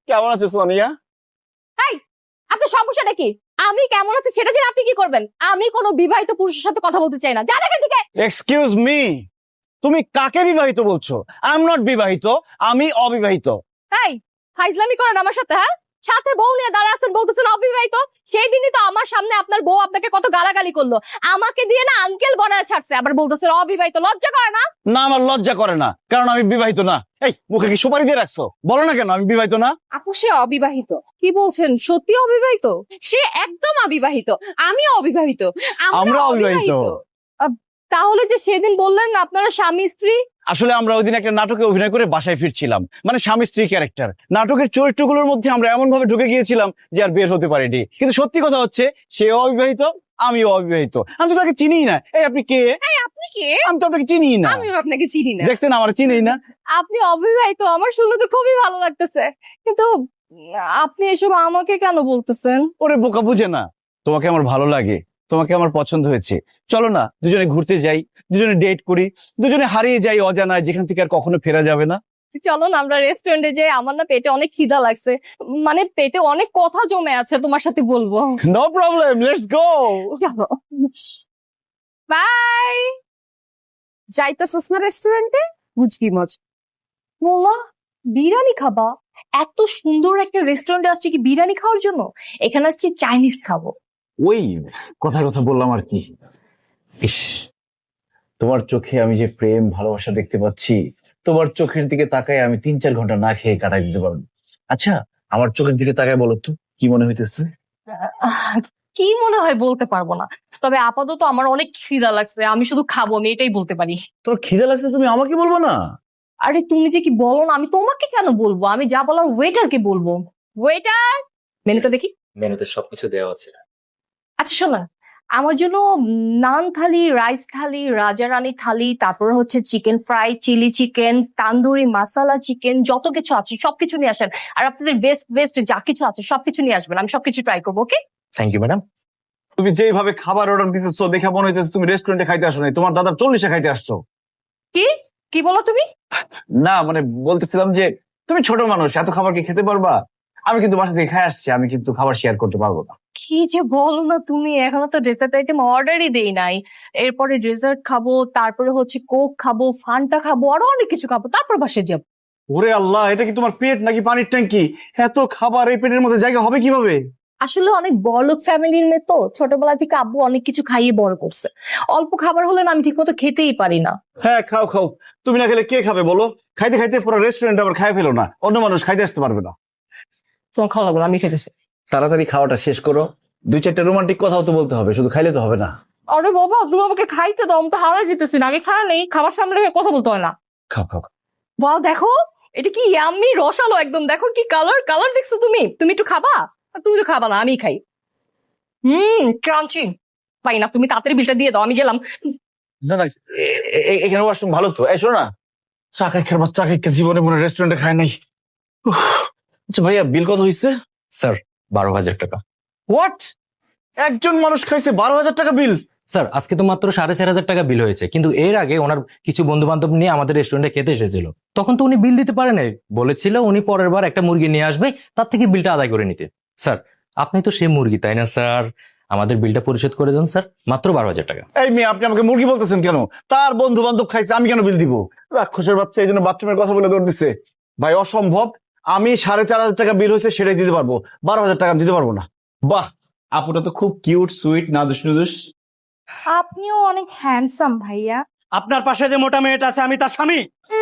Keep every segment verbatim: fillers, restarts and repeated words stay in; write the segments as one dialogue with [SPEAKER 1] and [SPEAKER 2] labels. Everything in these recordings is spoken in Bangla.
[SPEAKER 1] কেমন আছো সোনিয়া?
[SPEAKER 2] এই আপনার সমস্যাটা কি? আমি কেমন আছি সেটা জেনে আপনি কি করবেন? আমি কোনো বিবাহিত পুরুষের সাথে কথা বলতে চাই না। যান এখান থেকে।
[SPEAKER 1] এক্সকিউজ মি, তুমি কাকে বিবাহিত বলছো? আই এম নট বিবাহিত, আমি অবিবাহিত।
[SPEAKER 2] এই ফাইজলামি করেন আমার সাথে? হ্যাঁ, সাথে বউ নিয়ে দাঁড়া আছেন, বলতেছেন অবিবাহিত। সেই দিনই তো আমার সামনে আপনার বউ আপনাকে কত গালাগালি করলো, আমাকে দিয়ে না আঙ্কেল বানায় ছাড়ছে, আবার বলতেছেন অবিবাহিত। লজ্জা করে না?
[SPEAKER 1] না, আমার লজ্জা করে না, কারণ আমি বিবাহিত না। এই মুখে কি সুপারি দিয়ে রাখছো? বলো না কেন আমি বিবাহিত না?
[SPEAKER 2] আপু সে অবিবাহিত। কি বলছেন? সত্যি অবিবাহিত? সে একদম অবিবাহিত, আমি অবিবাহিত,
[SPEAKER 1] আমরা অবিবাহিত।
[SPEAKER 2] তাহলে যে সেদিন বললেন না আপনারা স্বামী স্ত্রী?
[SPEAKER 1] আসলে আমরা ওই দিন একটা নাটকে অভিনয় করে বাসায় ফিরছিলাম, মানে স্বামী স্ত্রী ক্যারেক্টার। নাটকের চরিত্রগুলোর মধ্যে আমরা এমন ভাবে ঢুকে গিয়েছিলাম যে আর বের হতে পারিনি। কিন্তু সত্যি কথা হচ্ছে সেও অবিবাহিত, আমিও অবিবাহিত। আমি তো তাকে চিনিই না। এই আপনি কে?
[SPEAKER 2] এই আপনি কে?
[SPEAKER 1] আমি তো আপনাকে চিনিই না।
[SPEAKER 2] আমিও আপনাকে চিনি না।
[SPEAKER 1] দেখছেন আমার চিনিই না।
[SPEAKER 2] আপনি অবিবাহিত আমার শুনলে তো খুবই ভালো লাগতেছে, কিন্তু উম, আপনি এসব আমাকে কেন বলতেছেন?
[SPEAKER 1] ওরে বোকা বুঝে না, তোমাকে আমার ভালো লাগে, তোমাকে আমার পছন্দ হয়েছে। চলো না দুজনে ঘুরতে যাই, দুজনে ডেট করি, দুজনে হারিয়ে যাই অজানায়, যেখান থেকে আর কখনো ফেরা যাবে না।
[SPEAKER 2] চলো না আমরা রেস্টুরেন্টে যাই, আমার না পেটে অনেক খিদা লাগছে, মানে পেটে অনেক কথা জমে আছে, তোমার সাথে বলবো।
[SPEAKER 1] No problem, let's go.
[SPEAKER 2] চলো, বাই। যাইতাছস না রেস্টুরেন্টে? বুঝবি মজা। মোল্লা, বিরিয়ানি খাবা? এত সুন্দর একটা রেস্টুরেন্টে আসছি কি বিরিয়ানি খাওয়ার জন্য? এখানে আসছি চাইনিজ খাবো।
[SPEAKER 1] ওই কথা কথা বললাম আর কি। ইস, তোমার চোখে আমি যে প্রেম ভালোবাসা দেখতে পাচ্ছি, তোমার চোখের দিকে তাকায় আমি তিন চার ঘন্টা না খেয়ে কাটাই দিতে পারবো। আচ্ছা, আমার চোখের দিকে তাকায় বলো তো কি মনে হইতেছে?
[SPEAKER 2] আহ, কি মনে হয় বলতে পারবো না, তবে আপাতত আমার অনেক খিদা লাগছে, আমি শুধু খাবো, আমি এটাই বলতে পারি।
[SPEAKER 1] তোমার খিদে লাগছে, তুমি আমাকে বলবো না?
[SPEAKER 2] আরে তুমি যে কি বলো না, আমি তোমাকে কেন বলবো, আমি যা বলার ওয়েটারকে বলবো। ওয়েটার, মেনুটা দেখি।
[SPEAKER 3] মেনুতে সবকিছু দেওয়া আছে।
[SPEAKER 2] আচ্ছা শোনো, আমার জন্য নান থালি, রাইস থালি, রাজা রানী থালি, তারপর হচ্ছে chicken fry, chilli chicken, tandoori masala chicken, যত কিছু আছে সবকিছু নিয়ে আসেন। আর আপনাদের বেস্ট বেস্ট যা কিছু আছে সবকিছু নিয়ে আসবেন, আমি সবকিছু ট্রাই করবো। ওকে?
[SPEAKER 3] Thank you madam.
[SPEAKER 1] তুমি যেভাবে খাবার অর্ডার দিতেছো দেখে মনে হইতেছে তুমি রেস্টুরেন্টে খাইতে আসো নাই, তোমার দাদার চল্লিশে খাইতে আসছো।
[SPEAKER 2] কি কি বলো তুমি?
[SPEAKER 1] না মানে বলতেছিলাম যে তুমি ছোট মানুষ, এত খাবার কি খেতে পারবা? আমি কিন্তু বাসা থেকে খাই আসছি, আমি কিন্তু খাবার শেয়ার করতে পারবো না।
[SPEAKER 2] কি যে বলো না তুমি, এখনো তো ডেজার্ট আইটেম অর্ডারই দেই নাই। এরপরে ডেজার্ট খাবো, তারপরে হচ্ছে কোক খাবো, ফান্টা খাবো, আরো অনেক কিছু খাবো, তারপর বাসায় যাবো।
[SPEAKER 1] ওরে আল্লাহ, এটা কি তোমার পেট নাকি পানির ট্যাঙ্কি? এত খাবার এই পেটের মধ্যে জায়গা হবে কিভাবে?
[SPEAKER 2] আসলে অনেক বড়লোক ফ্যামিলির মেয়ে তো, ছোটবেলা থেকে আব্বু অনেক কিছু খাইয়ে বড় করছে। অল্প খাবার হলে না আমি ঠিক মতো খেতেই পারি না।
[SPEAKER 1] হ্যাঁ খাও খাও, তুমি না খেলে কে খাবে বলো? খাইতে খাইতে পুরো রেস্টুরেন্ট আবার খাই ফেলো না, অন্য মানুষ খাইতে আসতে পারবে না।
[SPEAKER 2] তোমার খাওয়া লাগবে না, আমি খেতেছি।
[SPEAKER 1] তাড়াতাড়ি খাওয়াটা শেষ করো, দুই চারটা রোমান্টিক কথাও তো বলতে হবে, শুধু খাইলে তো হবে না।
[SPEAKER 2] আরে বাবা, তুমি আমাকে খাইতে দাও, আমি তো হারা যেতেছি না, আগে খাওয়া নেই, খাবার সামনে রেখে কথা বলতে হয় না।
[SPEAKER 1] খাও খাও।
[SPEAKER 2] বাহ দেখো, এটা কি ইয়াম্মি রসালো একদম, দেখো কি কালার, কালার দেখছো তুমি? তুমি একটু খাবা? তুমি তো খাবা না, আমি খাই। হুম, ক্রাঞ্চি। পাই না, তুমি তাড়াতাড়ি বিলটা দিয়ে দাও, আমি গেলাম।
[SPEAKER 1] না না, এ- এ- এখানে ওয়াশরুম ভালো তো, এই শোনো না, চা খাই খেয়ে চা খাই জীবনে মনে রেস্টুরেন্টে খায় নাই। উফ। আচ্ছা ভাইয়া, বিল কত হয়েছে?
[SPEAKER 3] স্যার বারো হাজার টাকা।
[SPEAKER 1] হোয়াট? একজন মানুষ খাইছে বারো হাজার টাকা বিল?
[SPEAKER 3] স্যার আজকে তো মাত্র সাড়ে চার হাজার টাকা বিল হয়েছে, কিন্তু এর আগে ওনার কিছু বন্ধু বান্ধব নিয়ে আমাদের রেস্টুরেন্টে খেতে এসেছিল, তখন তো উনি বিল দিতে পারে নাই, বলেছিল উনি পরের বার একটা মুরগি নিয়ে আসবে, তার থেকে বিলটা আদায় করে নিতে। স্যার আপনি তো সেই মুরগি তাই না স্যার, আমাদের বিলটা পরিশোধ করে দেন স্যার, মাত্র বারো হাজার টাকা।
[SPEAKER 1] এই মেয়ে, আপনি আমাকে মুরগি বলতেছেন কেন? তার বন্ধু বান্ধব খাইছে, আমি কেন বিল দিব? রাক্ষসের বাচ্চা এই জন্য বাথরুমের কথা বলে দৌড় দিচ্ছে। ভাই অসম্ভব, আমি সাড়ে চার হাজার টাকা বিল হয়েছে সেটাই দিতে পারবো, বারো হাজার টাকা আমি দিতে পারবো না। বাহ, আপুটা তো খুব কিউট সুইট নাদুস নুদুস।
[SPEAKER 4] আপনিও অনেক হ্যান্ডসাম ভাইয়া।
[SPEAKER 5] আপনার পাশে যে মোটা মেয়েটা আছে আমি তার স্বামী।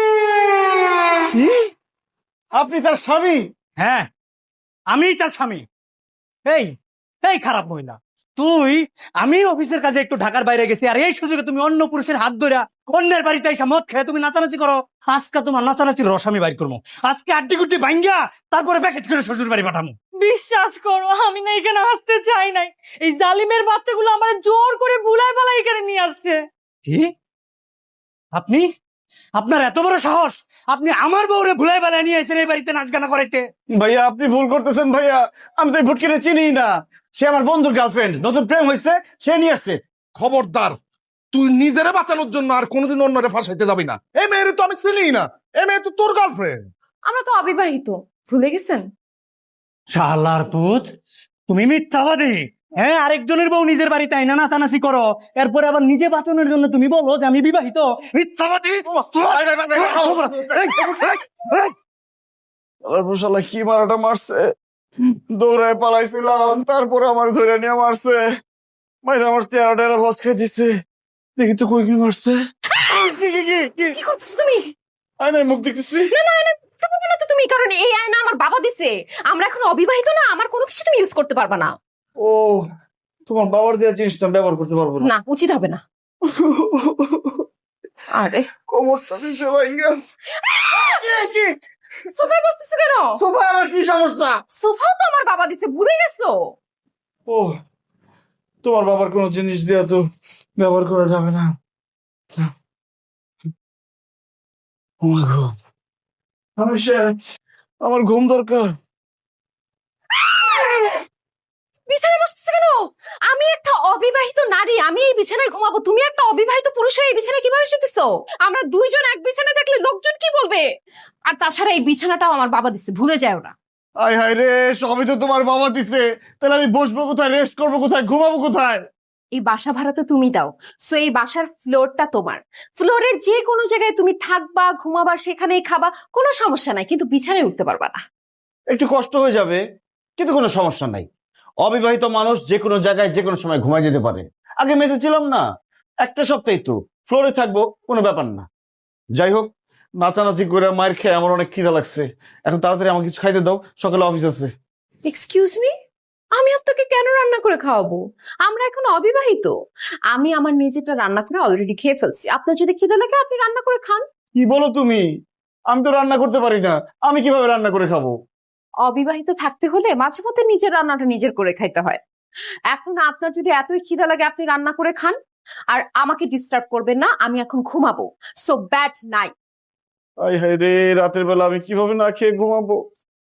[SPEAKER 1] কি? আপনি তার স্বামী?
[SPEAKER 5] হ্যাঁ, আমি তার স্বামী। এই এই খারাপ মহিলা, তুই, আমি অফিসের কাজে একটু ঢাকার বাইরে গেছি, আর এই সুযোগে তুমি অন্য পুরুষের হাত ধরে অন্যের বাড়িতে এসে মদ খেয়ে তুমি নাচানাচি করো। আজকে তোমার নাচানাচির রস আমি বাইর করবো, আজকে আড্ডি গুড্ডি ভাঙ্গা তারপরে প্যাকেট করে শ্বশুর বাড়ি পাঠাবো।
[SPEAKER 4] বিশ্বাস করো, আমি না এখানে আসতে চাই নাই, এই জালিমের বাচ্চাগুলো আমার জোর করে বুলাই বালাই এখানে নিয়ে আসছে।
[SPEAKER 5] কি? আপনি, আপনার এত বড় সাহস, আপনি আমার বউরে ভুলাই বেলায় নিয়ে এসেছেন এই বাড়িতে নাচ গানা করাইতে?
[SPEAKER 1] ভাইয়া আপনি ভুল করতেছেন ভাইয়া, আমি তো এই ভুটকিরে চিনি না, সে আমার বন্ধুর গার্লফ্রেন্ড, নতুন প্রেম হয়েছে, সে নিয়ে আসছে।
[SPEAKER 6] খবরদার, তুই নিজেরে বাঁচানোর জন্য আর কোনোদিন অন্যরে ফাঁসাইতে যাবি না। এই মেয়ের তো আমি চিনি না, এই মেয়ে তো তোর গার্লফ্রেন্ড।
[SPEAKER 2] আমরা তো অবিবাহিত, ভুলে গেছেন?
[SPEAKER 5] শালার পুত, তুমি মিথ্যাবাদী। হ্যাঁ, আরেকজনের বউ নিজের বাড়িতে আইনা নাচানাচি করো, এরপরে আবার নিজে বাঁচানোর জন্য তুমি বলো যে আমি বিবাহিত। মিথ্যাবাদী।
[SPEAKER 1] শালা কি মারাটা মারছে, দৌড়ায় পালাইছিলাম, তারপরে আমার ধরে নিয়ে মারছে, মাইরা আমার চেহারা টেরা বস খেয়ে দিচ্ছে। দেখি তো কই কি মারছে। কি কি কি কি
[SPEAKER 7] কি করতেছো তুমি?
[SPEAKER 1] আয় নাই মুখ দেখতেছি।
[SPEAKER 7] না না না, তা বলবো না তো তুমি, কারণ এই আয়না আমার বাবা দিছে। আমরা এখন অবিবাহিত না, আমার কোনো কিছু তুমি ইউজ করতে পারবা না।
[SPEAKER 1] ও, তোমার বাবার দেওয়া জিনিস তো আমি ব্যবহার করতে পারবো না।
[SPEAKER 7] না, উচিত হবে না। আরে
[SPEAKER 1] কোমরটা দিছে ভাইয়া। কি
[SPEAKER 7] সোফায় বসতেছো কেন?
[SPEAKER 1] সোফা আমার কি সমস্যা?
[SPEAKER 7] সোফাও তো আমার বাবা দিছে, ভুলে গেছো?
[SPEAKER 1] ও, তোমার বাবার কোনো জিনিস দেওয়া তো ব্যবহার করা যাবে না। ও মা গো, আমি শেষ। আমার ঘুম দরকার।
[SPEAKER 7] বিছানায় বসতেছো কেন? আমি একটা অবিবাহিত নারী, আমি এই বিছানায় ঘুমাবো। তুমি একটা অবিবাহিত পুরুষ হয়ে এই বিছানায় কিভাবে শুতেছো? আমরা দুইজন এক বিছানায় দেখলে লোকজন কি বলবে? আর তাছাড়া এই বিছানাটাও আমার বাবা দিছে, ভুলে যাও না।
[SPEAKER 1] আয় হায় রে, সবই তো তোমার বাবা দিছে, তাহলে আমি বসবো কোথায়, রেস্ট করবো কোথায়, ঘুমাবো কোথায়?
[SPEAKER 7] এই বাসা ভাড়া তো তুমি দাও, সো এই বাসার ফ্লোরটা তোমার। ফ্লোরের যে কোনো জায়গায় তুমি থাকবা, ঘুমাবা, সেখানেই খাবা, কোনো সমস্যা নাই, কিন্তু বিছানায় উঠতে পারবা না।
[SPEAKER 1] একটু কষ্ট হয়ে যাবে, কিন্তু কোনো সমস্যা নাই। অবিবাহিত মানুষ যে কোনো জায়গায় যে কোনো সময় ঘুমাই যেতে পারে। আগে মেসে ছিলাম না, একটা সপ্তাহে তো ফ্লোরে থাকবো, কোনো ব্যাপার না। যাই হোক, নাচানাচি করে মায়ের খেয়ে আমার অনেক খিদা লাগছে। এখন তাড়াতাড়ি আমাকে কিছু খাইতে দাও, সকালে অফিস আছে।
[SPEAKER 7] এক্সকিউজ মি, আমি আপনাকে কেন রান্না করে খাওয়াবো? আমরা এখন অবিবাহিত। আমি আমার নিজেরটা রান্না করে অলরেডি খেয়ে ফেলছি। আপনার যদি খিদে লাগে আপনি রান্না করে খান।
[SPEAKER 1] কি বলো তুমি? আমি তো রান্না করতে পারি না, আমি কিভাবে রান্না করে খাবো?
[SPEAKER 7] অবিবাহিত থাকতে হলে মাঝে মধ্যে নিজের রান্নাটা নিজের করে খাইতে হয়। এখন আপনার যদি এতই খিদে লাগে আপনি রান্না করে খান, আর আমাকে ডিস্টার্ব করবেন না, আমি এখন ঘুমাবো। So bad night.
[SPEAKER 1] আয় হায় রে, রাতের বেলা আমি কিভাবে না খেয়ে ঘুমাবো?